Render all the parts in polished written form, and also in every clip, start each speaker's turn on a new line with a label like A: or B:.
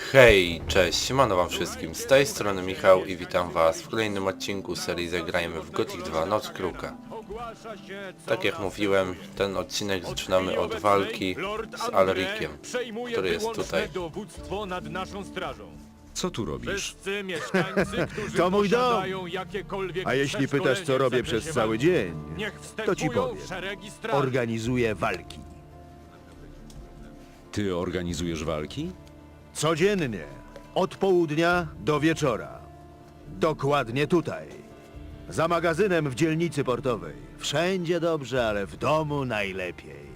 A: Hej, cześć, siemano wam wszystkim, z tej strony Michał i witam was w kolejnym odcinku serii Zagrajmy w Gothic 2 Noc Kruka. Tak jak mówiłem, ten odcinek zaczynamy od walki z Alrikiem, który jest tutaj.
B: Co tu robisz?
C: Wszyscy mieszkańcy, którzy
D: To mój dom.
C: posiadają jakiekolwiek
D: A jeśli pytasz, co robię przez cały dzień, to ci powiem. Organizuję walki.
B: Ty organizujesz walki?
D: Codziennie. Od południa do wieczora. Dokładnie tutaj. Za magazynem w dzielnicy portowej. Wszędzie dobrze, ale w domu najlepiej.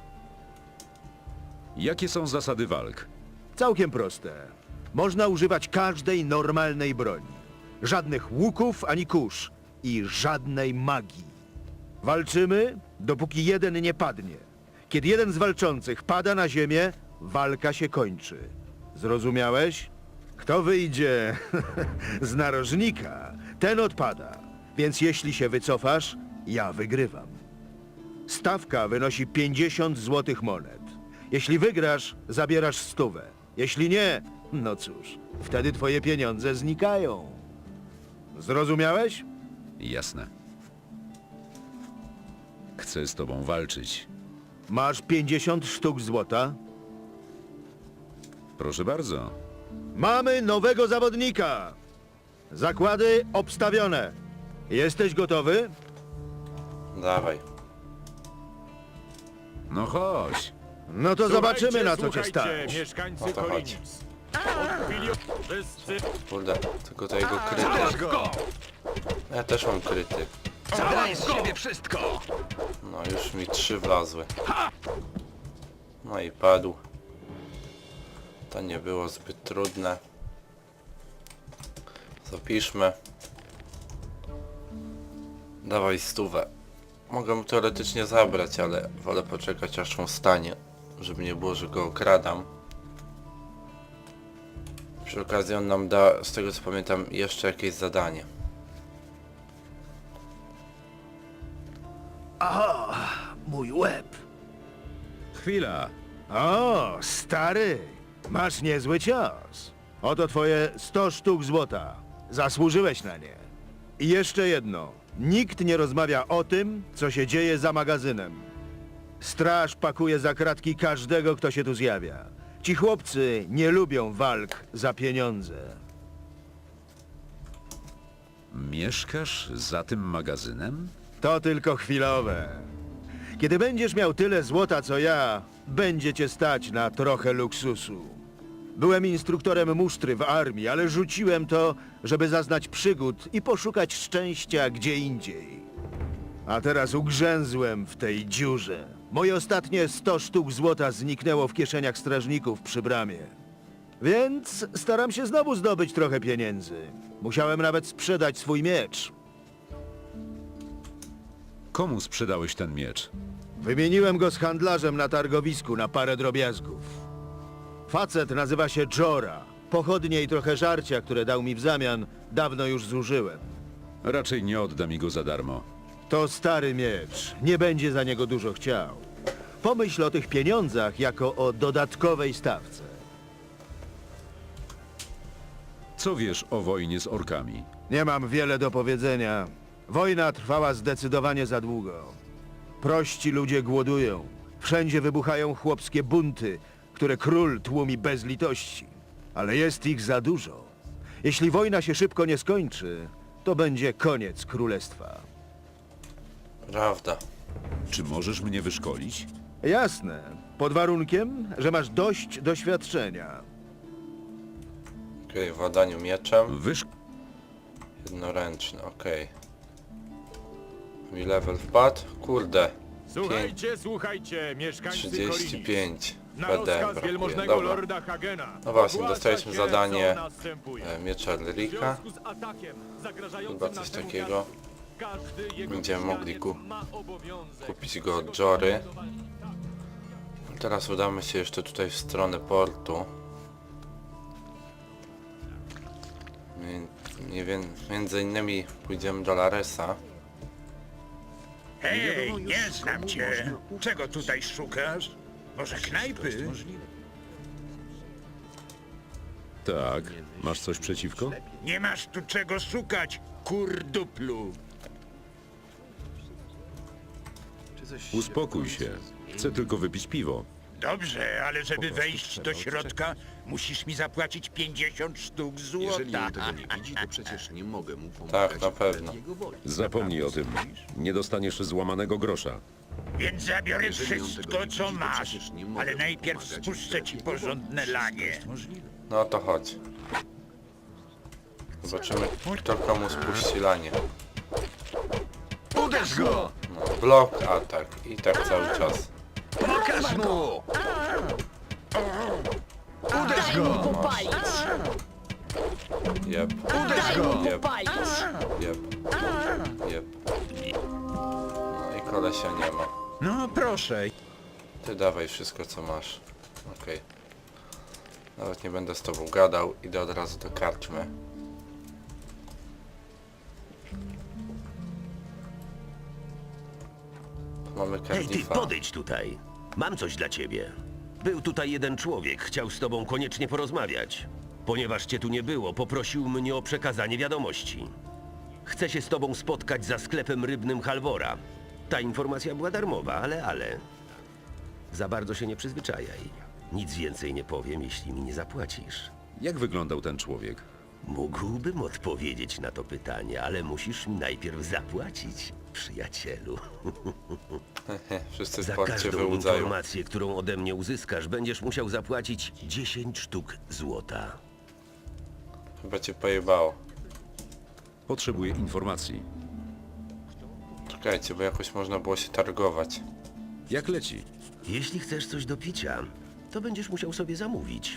B: Jakie są zasady walk?
D: Całkiem proste. Można używać każdej normalnej broni. Żadnych łuków ani kusz. I żadnej magii. Walczymy, dopóki jeden nie padnie. Kiedy jeden z walczących pada na ziemię, walka się kończy. Zrozumiałeś? Kto wyjdzie z narożnika, ten odpada. Więc jeśli się wycofasz, ja wygrywam. Stawka wynosi 50 złotych monet. Jeśli wygrasz, zabierasz 100. Jeśli nie, no cóż, wtedy twoje pieniądze znikają. Zrozumiałeś?
B: Jasne. Chcę z tobą walczyć.
D: Masz 50 sztuk złota?
B: Proszę bardzo.
D: Mamy nowego zawodnika! Zakłady obstawione. Jesteś gotowy?
A: Dawaj.
B: No chodź.
D: No to zobaczymy, na co cię stać.
C: Mieszkańcy
A: O to chodzi.
C: Kolinis. Wszyscy
A: Kurde, tylko to jego kryty. Ja też mam kryty.
E: Daj z siebie wszystko!
A: No już mi 3 wlazły. No i padł. To nie było zbyt trudne. Zapiszmy. Dawaj 100. Mogę mu teoretycznie zabrać, ale wolę poczekać aż on wstanie, żeby nie było, że go okradam. Przy okazji on nam da, z tego co pamiętam, jeszcze jakieś zadanie.
D: Mój łeb.
B: Chwila.
D: O, stary, masz niezły cios. Oto twoje 100 sztuk złota. Zasłużyłeś na nie. I jeszcze jedno. Nikt nie rozmawia o tym, co się dzieje za magazynem. Straż pakuje za kratki każdego, kto się tu zjawia. Ci chłopcy nie lubią walk za pieniądze.
B: Mieszkasz za tym magazynem?
D: To tylko chwilowe. Kiedy będziesz miał tyle złota co ja, będzie cię stać na trochę luksusu. Byłem instruktorem musztry w armii, ale rzuciłem to, żeby zaznać przygód i poszukać szczęścia gdzie indziej. A teraz ugrzęzłem w tej dziurze. Moje ostatnie 100 sztuk złota zniknęło w kieszeniach strażników przy bramie. Więc staram się znowu zdobyć trochę pieniędzy. Musiałem nawet sprzedać swój miecz.
B: Komu sprzedałeś ten miecz?
D: Wymieniłem go z handlarzem na targowisku na parę drobiazgów. Facet nazywa się Jora. Pochodnie i trochę żarcia, które dał mi w zamian, dawno już zużyłem.
B: Raczej nie odda mi go za darmo.
D: To stary miecz. Nie będzie za niego dużo chciał. Pomyśl o tych pieniądzach jako o dodatkowej stawce.
B: Co wiesz o wojnie z orkami?
D: Nie mam wiele do powiedzenia. Wojna trwała zdecydowanie za długo. Prości ludzie głodują. Wszędzie wybuchają chłopskie bunty, które król tłumi bez litości. Ale jest ich za dużo. Jeśli wojna się szybko nie skończy, to będzie koniec królestwa.
A: Prawda.
B: Czy możesz mnie wyszkolić?
D: Jasne. Pod warunkiem, że masz dość doświadczenia.
A: Okej, w ładaniu mieczem. Jednoręczny, okej. Mi level wpadł? Kurde.
C: Słuchajcie, mieszkańcy Kolinis.
A: 35
C: Na
A: PD
C: rozkaz
A: brakuje,
C: wielmożnego
A: dobra.
C: lorda Hagena.
A: No właśnie,
C: ogłasza
A: dostaliśmy
C: się,
A: zadanie,
C: co następuje.
A: Miecz Alrika.
C: W związku z atakiem zagrażającym
A: Chyba coś
C: naszemu
A: takiego.
C: miastu, każdy jego
A: Będziemy mogli
C: mieszkaniec ma obowiązek
A: kupić go od Jory. Teraz udamy się jeszcze tutaj w stronę portu. Między innymi pójdziemy do Laresa.
E: Hej, nie znam cię. Czego tutaj szukasz? Może knajpy?
B: Tak. Masz coś przeciwko?
E: Nie masz tu czego szukać, kurduplu.
B: Uspokój się. Chcę tylko wypić piwo.
E: Dobrze, ale żeby wejść do środka, musisz mi zapłacić 50 sztuk
F: Jeżeli
E: złota.
F: on tego nie widzi, to przecież nie mogę mu pomagać.
A: Tak, na pewno.
F: wbrew jego woli.
B: Zapomnij o tym. Nie dostaniesz złamanego grosza.
E: Więc zabiorę
F: Jeżeli on tego
E: wszystko,
F: nie
E: co
F: widzi, to
E: masz.
F: przecież nie mogę
E: Ale
F: mu
E: najpierw
F: pomagać
E: spuszczę
F: wbrew
E: ci
F: jego woli.
E: porządne lanie.
A: No to chodź. Zobaczymy, kto komu spuści lanie.
E: Uderz go!
A: No, blok, atak. I tak cały czas.
E: Pokaż mu!
G: Daj mu popalić!
A: Jep,
G: Daj mu
A: Jeb.
G: popalić!
A: jep, jep. No i kolesia nie ma.
E: No proszę.
A: Ty dawaj wszystko co masz. Okej. Nawet nie będę z tobą gadał, idę od razu do karczmy. Mamy
H: Hej, ty,
A: Cardiffa.
H: podejdź tutaj. Mam coś dla ciebie. Był tutaj jeden człowiek, chciał z tobą koniecznie porozmawiać. Ponieważ cię tu nie było, poprosił mnie o przekazanie wiadomości. Chce się z tobą spotkać za sklepem rybnym Halvora. Ta informacja była darmowa, ale... Za bardzo się nie przyzwyczajaj. Nic więcej nie powiem, jeśli mi nie zapłacisz.
B: Jak wyglądał ten człowiek?
H: Mógłbym odpowiedzieć na to pytanie, ale musisz mi najpierw zapłacić, przyjacielu.
A: Wszyscy w
H: Za
A: porcie
H: każdą
A: wyłudzają.
H: informację, którą ode mnie uzyskasz, będziesz musiał zapłacić 10 sztuk złota.
A: Chyba cię pojebało.
B: Potrzebuję informacji.
A: Czekajcie, bo jakoś można było się targować.
B: Jak leci?
H: Jeśli chcesz coś do picia, to będziesz musiał sobie zamówić.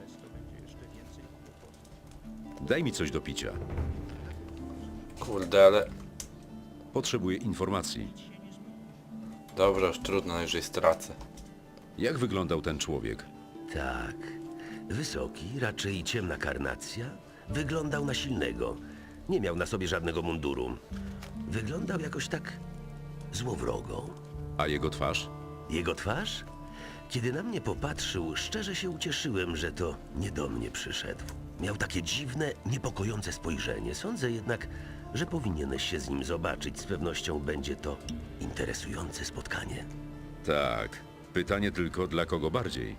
B: Daj mi coś do picia.
A: Kurde, ale...
B: Potrzebuję informacji.
A: Dobra, już trudno, najwyżej stracę.
B: Jak wyglądał ten człowiek?
H: Tak. Wysoki, raczej ciemna karnacja. Wyglądał na silnego. Nie miał na sobie żadnego munduru. Wyglądał jakoś tak złowrogo.
B: A jego twarz?
H: Jego twarz? Kiedy na mnie popatrzył, szczerze się ucieszyłem, że to nie do mnie przyszedł. Miał takie dziwne, niepokojące spojrzenie. Sądzę jednak, że powinieneś się z nim zobaczyć. Z pewnością będzie to interesujące spotkanie.
B: Tak. Pytanie tylko, dla kogo bardziej?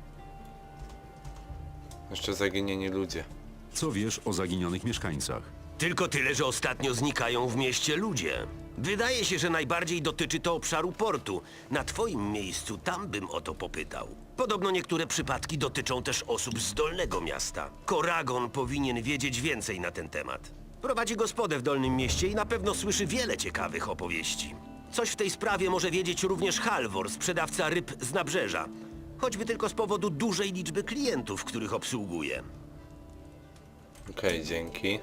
A: Jeszcze zaginieni ludzie.
B: Co wiesz o zaginionych mieszkańcach?
H: Tylko tyle, że ostatnio znikają w mieście ludzie. Wydaje się, że najbardziej dotyczy to obszaru portu. Na twoim miejscu tam bym o to popytał. Podobno niektóre przypadki dotyczą też osób z Dolnego Miasta. Koragon powinien wiedzieć więcej na ten temat. Prowadzi gospodę w Dolnym Mieście i na pewno słyszy wiele ciekawych opowieści. Coś w tej sprawie może wiedzieć również Halvor, sprzedawca ryb z nabrzeża. Choćby tylko z powodu dużej liczby klientów, których obsługuje.
A: Okej, dzięki.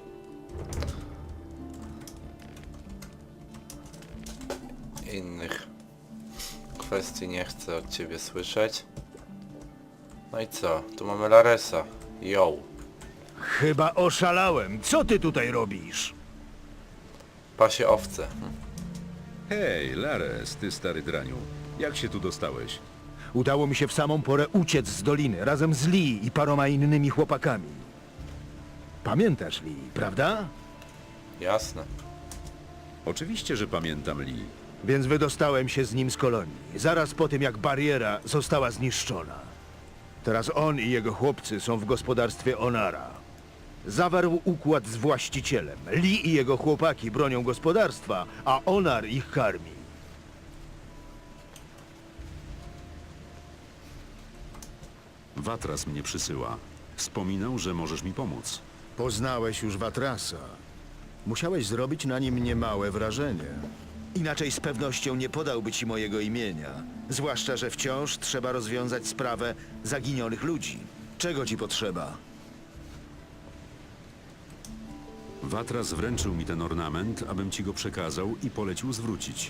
A: Innych kwestii nie chcę od ciebie słyszeć. No i co? Tu mamy Laresa. Yo.
D: Chyba oszalałem. Co ty tutaj robisz?
A: Pasie owce.
B: Hej, Lares, ty stary draniu. Jak się tu dostałeś?
D: Udało mi się w samą porę uciec z doliny razem z Lee i paroma innymi chłopakami. Pamiętasz Lee, prawda?
A: Jasne.
B: Oczywiście, że pamiętam Lee.
D: Więc wydostałem się z nim z kolonii, zaraz po tym jak bariera została zniszczona. Teraz on i jego chłopcy są w gospodarstwie Onara. Zawarł układ z właścicielem. Lee i jego chłopaki bronią gospodarstwa, a Onar ich karmi.
B: Watras mnie przysyła. Wspominał, że możesz mi pomóc.
D: Poznałeś już Watrasa. Musiałeś zrobić na nim niemałe wrażenie. Inaczej z pewnością nie podałby ci mojego imienia. Zwłaszcza, że wciąż trzeba rozwiązać sprawę zaginionych ludzi. Czego ci potrzeba?
B: Watras wręczył mi ten ornament, abym ci go przekazał i polecił zwrócić.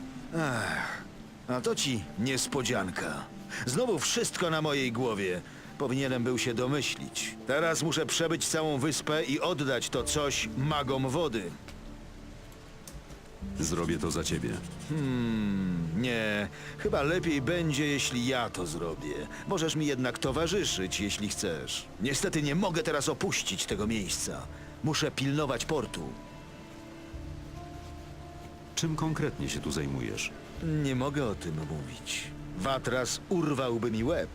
D: A to ci niespodzianka. Znowu wszystko na mojej głowie. Powinienem był się domyślić. Teraz muszę przebyć całą wyspę i oddać to coś magom wody.
B: Zrobię to za ciebie.
D: Nie, chyba lepiej będzie, jeśli ja to zrobię. Możesz mi jednak towarzyszyć, jeśli chcesz. Niestety nie mogę teraz opuścić tego miejsca. Muszę pilnować portu.
B: Czym konkretnie się tu zajmujesz?
D: Nie mogę o tym mówić. Watras urwałby mi łeb.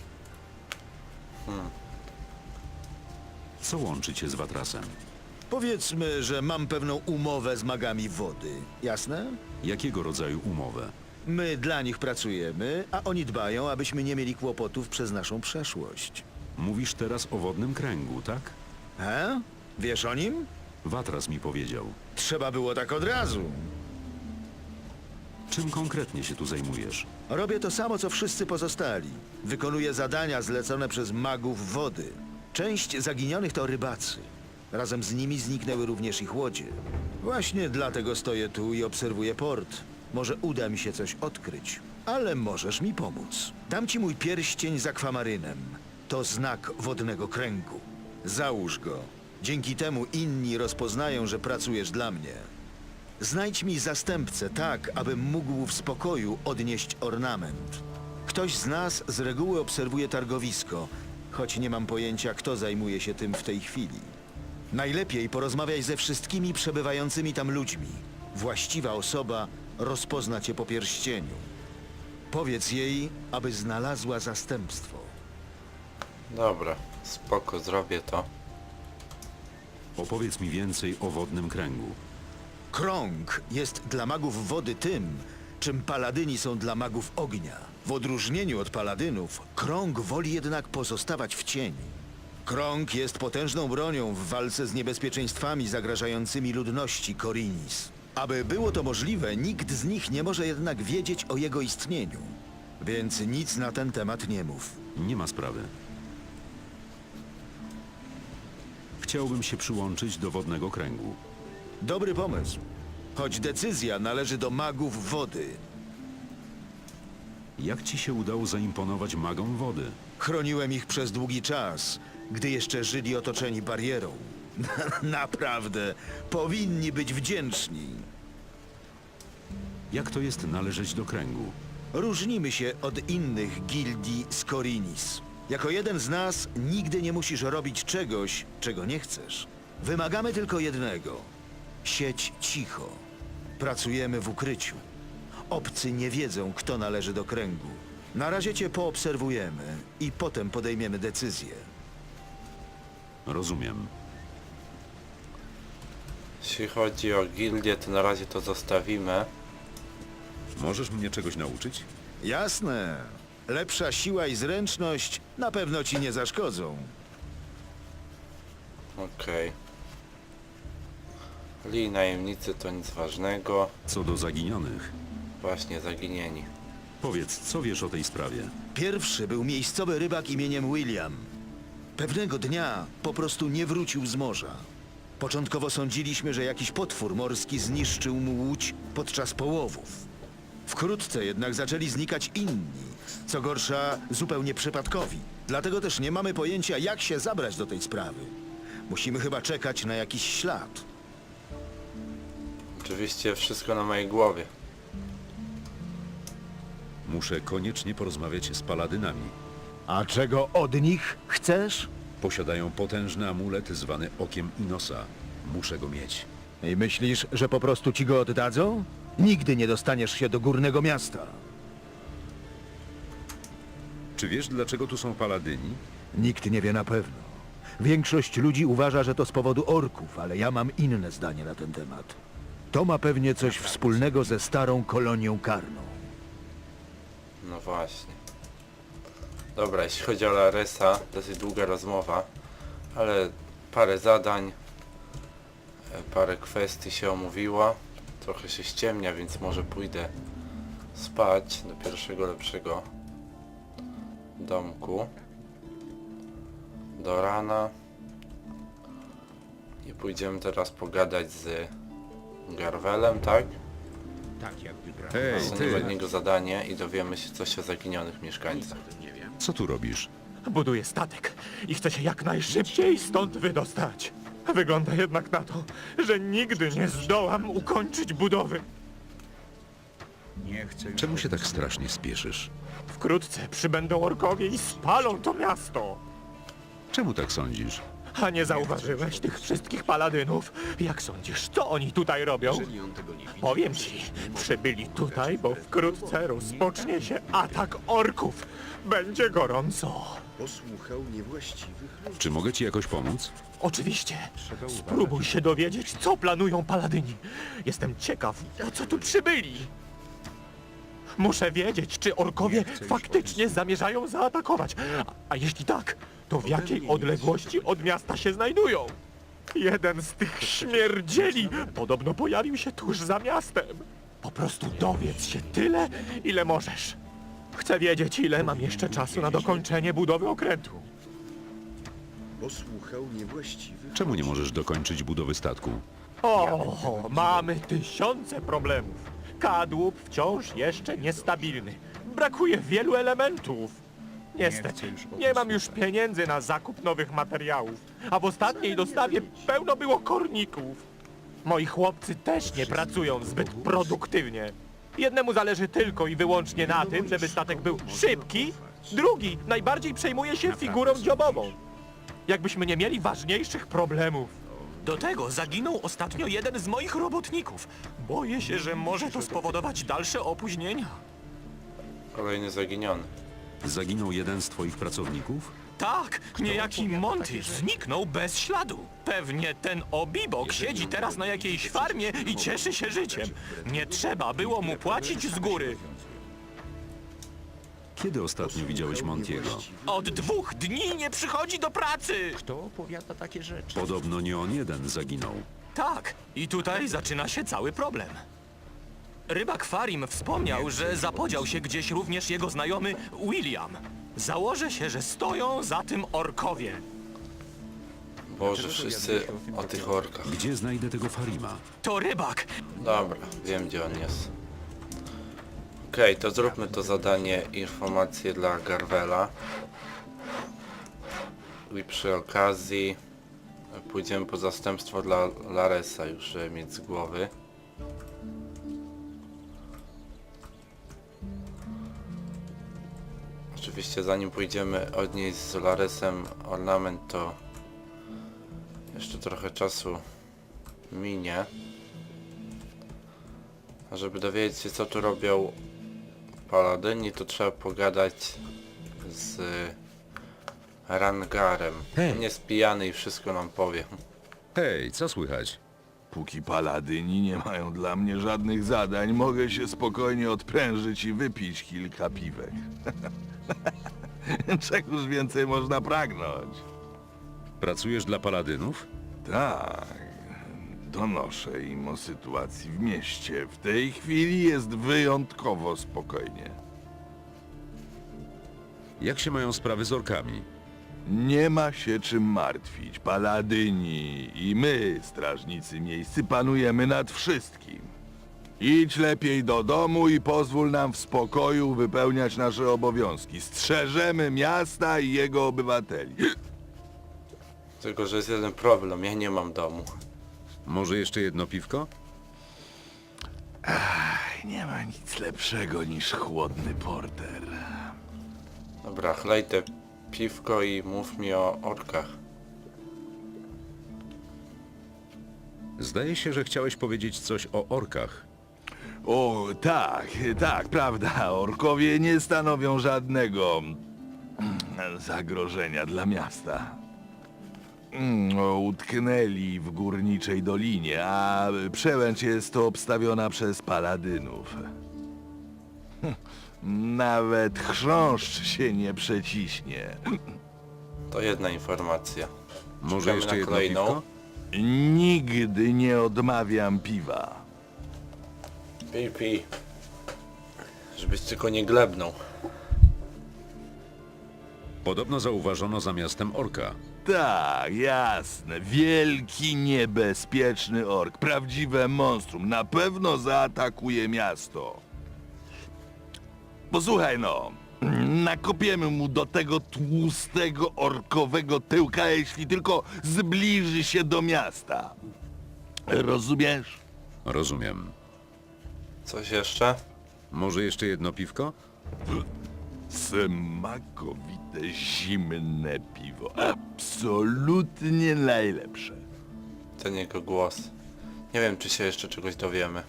B: Co łączy cię z Watrasem?
D: Powiedzmy, że mam pewną umowę z magami wody. Jasne?
B: Jakiego rodzaju umowę?
D: My dla nich pracujemy, a oni dbają, abyśmy nie mieli kłopotów przez naszą przeszłość.
B: Mówisz teraz o wodnym kręgu, tak?
D: He? Wiesz o nim?
B: Watras mi powiedział.
D: Trzeba było tak od razu.
B: Czym konkretnie się tu zajmujesz?
D: Robię to samo, co wszyscy pozostali. Wykonuję zadania zlecone przez magów wody. Część zaginionych to rybacy. Razem z nimi zniknęły również ich łodzie. Właśnie dlatego stoję tu i obserwuję port. Może uda mi się coś odkryć. Ale możesz mi pomóc. Dam ci mój pierścień z akwamarynem. To znak wodnego kręgu. Załóż go. Dzięki temu inni rozpoznają, że pracujesz dla mnie. Znajdź mi zastępcę tak, abym mógł w spokoju odnieść ornament. Ktoś z nas z reguły obserwuje targowisko, choć nie mam pojęcia, kto zajmuje się tym w tej chwili. Najlepiej porozmawiaj ze wszystkimi przebywającymi tam ludźmi. Właściwa osoba rozpozna cię po pierścieniu. Powiedz jej, aby znalazła zastępstwo.
A: Dobra, spoko, zrobię to.
B: Opowiedz mi więcej o wodnym kręgu.
D: Krąg jest dla magów wody tym, czym paladyni są dla magów ognia. W odróżnieniu od paladynów, krąg woli jednak pozostawać w cieni. Krąg jest potężną bronią w walce z niebezpieczeństwami zagrażającymi ludności Korinis. Aby było to możliwe, nikt z nich nie może jednak wiedzieć o jego istnieniu. Więc nic na ten temat nie mów.
B: Nie ma sprawy. Chciałbym się przyłączyć do wodnego kręgu.
D: Dobry pomysł. Choć decyzja należy do magów wody.
B: Jak ci się udało zaimponować magom wody?
D: Chroniłem ich przez długi czas, gdy jeszcze żyli otoczeni barierą. Naprawdę, powinni być wdzięczni.
B: Jak to jest należeć do kręgu?
D: Różnimy się od innych gildii z Korinis. Jako jeden z nas nigdy nie musisz robić czegoś, czego nie chcesz. Wymagamy tylko jednego. Siedź cicho. Pracujemy w ukryciu. Obcy nie wiedzą, kto należy do kręgu. Na razie cię poobserwujemy i potem podejmiemy decyzję.
B: Rozumiem.
A: Jeśli chodzi o gildię, to na razie to zostawimy.
B: Możesz mnie czegoś nauczyć?
D: Jasne. Lepsza siła i zręczność na pewno ci nie zaszkodzą.
A: Okej. Li najemnicy to nic ważnego.
B: Co do zaginionych,
A: Właśnie zaginieni.
B: powiedz, co wiesz o tej sprawie?
D: Pierwszy był miejscowy rybak imieniem William. Pewnego dnia po prostu nie wrócił z morza. Początkowo sądziliśmy, że jakiś potwór morski zniszczył mu łódź podczas połowów. Wkrótce jednak zaczęli znikać inni, co gorsza zupełnie przypadkowi. Dlatego też nie mamy pojęcia, jak się zabrać do tej sprawy. Musimy chyba czekać na jakiś ślad.
A: Oczywiście wszystko na mojej głowie.
B: Muszę koniecznie porozmawiać z paladynami.
D: A czego od nich chcesz?
B: Posiadają potężny amulet zwany Okiem Inosa. Muszę go mieć.
D: I myślisz, że po prostu ci go oddadzą? Nigdy nie dostaniesz się do górnego miasta.
B: Czy wiesz, dlaczego tu są paladyni?
D: Nikt nie wie na pewno. Większość ludzi uważa, że to z powodu orków, ale ja mam inne zdanie na ten temat. To ma pewnie coś wspólnego ze starą kolonią karną.
A: No właśnie. Dobra, jeśli chodzi o Laresa, dosyć długa rozmowa, ale parę zadań, parę kwestii się omówiło. Trochę się ściemnia, więc może pójdę spać do pierwszego lepszego domku. Do rana. I pójdziemy teraz pogadać z Garwelem, tak?
E: Tak jak wybrałem.
B: Hej,
A: Dostaniemy od niego zadanie i dowiemy się coś o zaginionych mieszkańcach.
B: Co tu robisz?
C: Buduję statek i chcę się jak najszybciej stąd wydostać. Wygląda jednak na to, że nigdy nie zdołam ukończyć budowy.
E: Nie chcę już...
B: Czemu się tak strasznie spieszysz?
C: Wkrótce przybędą orkowie i spalą to miasto.
B: Czemu tak sądzisz?
C: A nie zauważyłeś tych wszystkich paladynów? Jak sądzisz, co oni tutaj robią?
F: Jeżeli on tego nie widzi,
C: Powiem ci, przybyli tutaj, bo wkrótce rozpocznie się atak orków. Będzie gorąco.
F: posłuchał niewłaściwych ludzi.
B: Czy mogę ci jakoś pomóc?
C: Oczywiście. Spróbuj się dowiedzieć, co planują paladyni. Jestem ciekaw, po co tu przybyli. Muszę wiedzieć, czy orkowie faktycznie zamierzają zaatakować. A jeśli tak, to w jakiej odległości od miasta się znajdują? Jeden z tych śmierdzieli podobno pojawił się tuż za miastem. Po prostu dowiedz się tyle, ile możesz. Chcę wiedzieć, ile mam jeszcze czasu na dokończenie budowy okrętu.
F: Posłuchał niewłaściwych
B: Czemu nie
F: ludzi.
B: możesz dokończyć budowy statku?
C: O, mamy tysiące problemów. Kadłub wciąż jeszcze niestabilny. Brakuje wielu elementów. Niestety, nie mam już pieniędzy na zakup nowych materiałów, a w ostatniej dostawie pełno było korników. Moi chłopcy też nie pracują zbyt produktywnie. Jednemu zależy tylko i wyłącznie na tym, żeby statek był szybki, drugi najbardziej przejmuje się figurą dziobową. Jakbyśmy nie mieli ważniejszych problemów. Do tego zaginął ostatnio jeden z moich robotników. Boję się, że może to spowodować dalsze opóźnienia.
A: Kolejny zaginiony.
B: Zaginął jeden z twoich pracowników?
C: Tak, niejaki Monty zniknął bez śladu. Pewnie ten obibok siedzi teraz na jakiejś farmie i cieszy się życiem. Nie trzeba było mu płacić z góry.
B: Kiedy ostatnio widziałeś Montiego?
C: Od 2 dni nie przychodzi do pracy.
E: Kto opowiada takie rzeczy?
B: Podobno nie on jeden zaginął.
C: Tak, i tutaj zaczyna się cały problem. Rybak Farim wspomniał, że zapodział się gdzieś również jego znajomy William. Założę się, że stoją za tym orkowie.
A: Boże, wszyscy o tych orkach.
B: Gdzie znajdę tego Farima?
C: To rybak.
A: Dobra, wiem gdzie on jest. Okej, to zróbmy to zadanie, informacje dla Garwela. I przy okazji pójdziemy po zastępstwo dla Laresa, już żeby mieć z głowy. Oczywiście zanim pójdziemy odnieść z Laresem ornament, to jeszcze trochę czasu minie. A żeby dowiedzieć się co tu robią paladyni, to trzeba pogadać z Rangarem.
B: Hej.
A: Nie spijany i wszystko nam powie.
B: Hej, co słychać?
I: Póki paladyni nie mają dla mnie żadnych zadań, mogę się spokojnie odprężyć i wypić kilka piwek. Czegoż więcej można pragnąć?
B: Pracujesz dla paladynów?
I: Tak, donoszę im o sytuacji w mieście. W tej chwili jest wyjątkowo spokojnie.
B: Jak się mają sprawy z orkami?
I: Nie ma się czym martwić. Paladyni i my, strażnicy miejscy, panujemy nad wszystkim. Idź lepiej do domu i pozwól nam w spokoju wypełniać nasze obowiązki. Strzeżemy miasta i jego obywateli.
A: Tylko że jest jeden problem, ja nie mam domu.
B: Może jeszcze jedno piwko?
I: Nie ma nic lepszego niż chłodny porter.
A: Dobra, chlej te piwko i mów mi o orkach.
B: Zdaje się, że chciałeś powiedzieć coś o orkach.
I: O, tak, prawda. Orkowie nie stanowią żadnego zagrożenia dla miasta. Utknęli w górniczej dolinie, a przełęcz jest obstawiona przez paladynów. Nawet chrząszcz się nie przeciśnie.
A: To jedna informacja.
B: Może
A: Czekamy
B: jeszcze
A: na
B: jedno
A: kolejną.
B: piwko?
I: Nigdy nie odmawiam piwa.
A: Pij, pij. Żebyś tylko nie glebnął.
B: Podobno zauważono za miastem orka.
I: Tak, jasne. Wielki, niebezpieczny ork. Prawdziwe monstrum. Na pewno zaatakuje miasto. Posłuchaj no. Nakopiemy mu do tego tłustego, orkowego tyłka, jeśli tylko zbliży się do miasta. Rozumiesz?
B: Rozumiem.
A: Coś jeszcze?
B: Może jeszcze jedno piwko?
I: Smakowite, zimne piwo. Absolutnie najlepsze.
A: Ten jego głos. Nie wiem, czy się jeszcze czegoś dowiemy.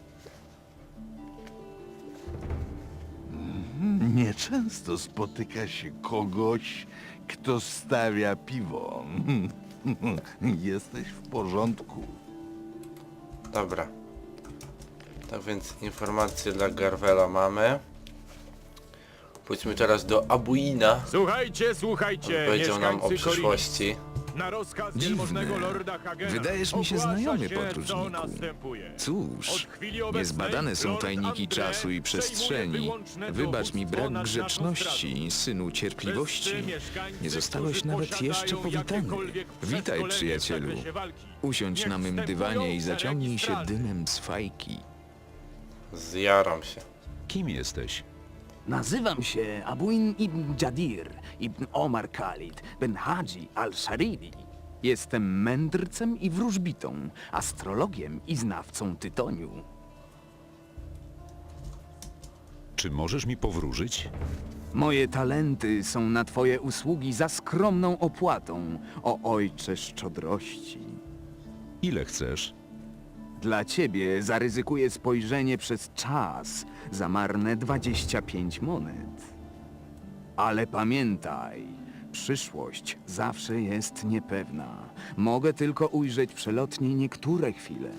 I: Nieczęsto spotyka się kogoś, kto stawia piwo. Jesteś w porządku.
A: Dobra. Tak więc informacje dla Garwela mamy. Pójdźmy teraz do Abuina.
C: Słuchajcie, słuchajcie,
A: Powiedział nam o
C: mieszkańcy
A: przyszłości.
C: Na rozkaz
J: Dziwne.
C: wielmożnego lorda Hagena
J: Wydajesz mi się
C: ogłasza
J: znajomy,
C: się,
J: podróżniku.
C: co następuje.
J: Cóż,
C: Od chwili obecnej
J: niezbadane są
C: Lord
J: tajniki
C: André
J: czasu i przestrzeni.
C: przejmuje wyłączne
J: Wybacz mi
C: dowództwo
J: brak
C: nad naszą
J: grzeczności,
C: strażą.
J: synu cierpliwości.
C: Wszyscy mieszkańcy,
J: Nie zostałeś
C: którzy
J: nawet
C: posiadają
J: jeszcze powitany.
C: jakiekolwiek
J: Witaj,
C: przeszkolenie w
J: przyjacielu.
C: zakresie walki.
J: Usiądź
C: Niech
J: na mym
C: wstępują
J: dywanie i
C: szeregi
J: zaciągnij się
C: straży.
J: dymem z fajki.
A: Zjaram się.
B: Kim jesteś?
K: Nazywam się Abuin ibn Jadir, ibn Omar Khalid, ben Hadzi al-Sharidi. Jestem mędrcem i wróżbitą, astrologiem i znawcą tytoniu.
B: Czy możesz mi powróżyć?
K: Moje talenty są na twoje usługi za skromną opłatą, o ojcze szczodrości.
B: Ile chcesz?
K: Dla ciebie zaryzykuję spojrzenie przez czas za marne 25 monet. Ale pamiętaj, przyszłość zawsze jest niepewna. Mogę tylko ujrzeć przelotnie niektóre chwile.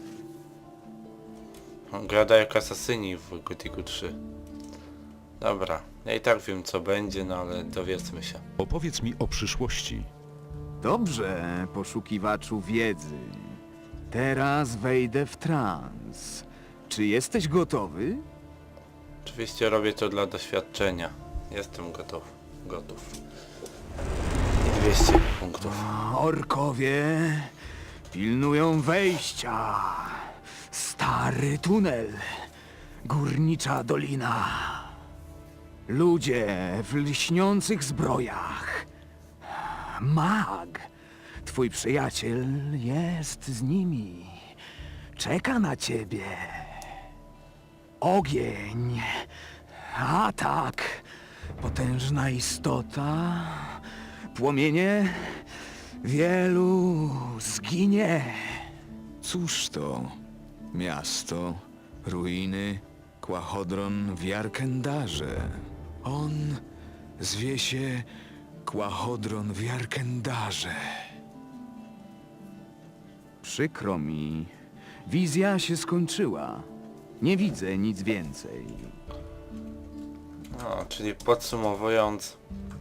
A: On gada jak asasyni w Gothicu 3. Dobra, ja i tak wiem co będzie, no ale dowiedzmy się.
B: Opowiedz mi o przyszłości.
K: Dobrze, poszukiwaczu wiedzy. Teraz wejdę w trans. Czy jesteś gotowy?
A: Oczywiście robię to dla doświadczenia. Jestem gotów. Gotów. I 200 punktów.
K: Orkowie pilnują wejścia. Stary tunel. Górnicza dolina. Ludzie w lśniących zbrojach. Mag. Twój przyjaciel jest z nimi. Czeka na ciebie. Ogień. Atak. Potężna istota. Płomienie. Wielu zginie.
J: Cóż to? Miasto, ruiny, Kłachodron w Jarkendarze. On zwie się Kłachodron w Jarkendarze.
K: Przykro mi. Wizja się skończyła. Nie widzę nic więcej.
A: No, czyli podsumowując,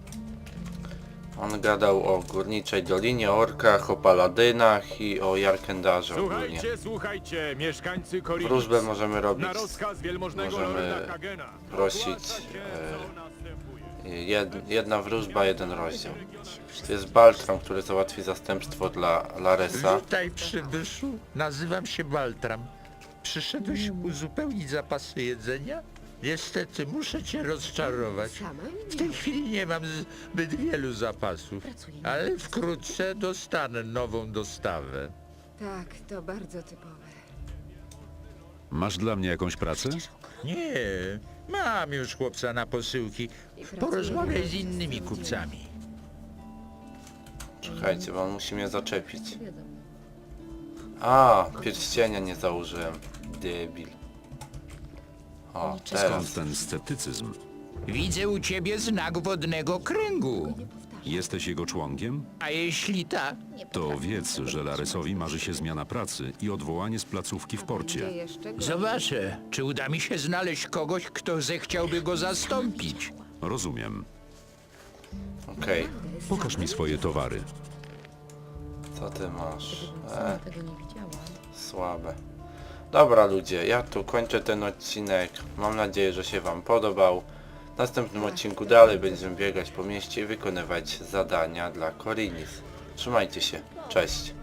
A: on gadał o Górniczej Dolinie, o orkach, o paladynach i o Jarkendarze ogólnie.
C: Słuchajcie, słuchajcie, mieszkańcy Korinic.
A: Wróżbę możemy robić,
C: Na rozkaz wielmożnego
A: możemy
C: lorda Hagena
A: prosić,
C: ogłasza się, co następuje.
A: jedna wróżba, jeden rozdział. To jest Baltram, który załatwi zastępstwo dla Laresa.
E: Witaj, przybyszu. Nazywam się Baltram. Przyszedłeś uzupełnić zapasy jedzenia? Niestety, muszę cię rozczarować. W tej chwili nie mam zbyt wielu zapasów, ale wkrótce dostanę nową dostawę.
G: Tak, to bardzo typowe.
B: Masz dla mnie jakąś pracę?
E: Nie, mam już chłopca na posyłki. Porozmawiaj z innymi kupcami.
A: Czekajcie, bo on musi mnie zaczepić. A, pierścienia nie założyłem. Debil. O, teraz.
B: Skąd ten sceptycyzm?
E: Widzę u ciebie znak wodnego kręgu.
B: Jesteś jego członkiem?
E: A jeśli tak,
B: To wiedz, że Laresowi marzy się zmiana pracy i odwołanie z placówki w porcie.
E: zobaczę, czy uda mi się znaleźć kogoś, kto zechciałby go zastąpić.
B: Rozumiem.
A: Okej,
B: Pokaż mi swoje towary.
A: co ty masz? Słabe. Dobra ludzie, ja tu kończę ten odcinek. Mam nadzieję, że się wam podobał. W następnym odcinku dalej będziemy biegać po mieście i wykonywać zadania dla Korinic. Trzymajcie się, cześć.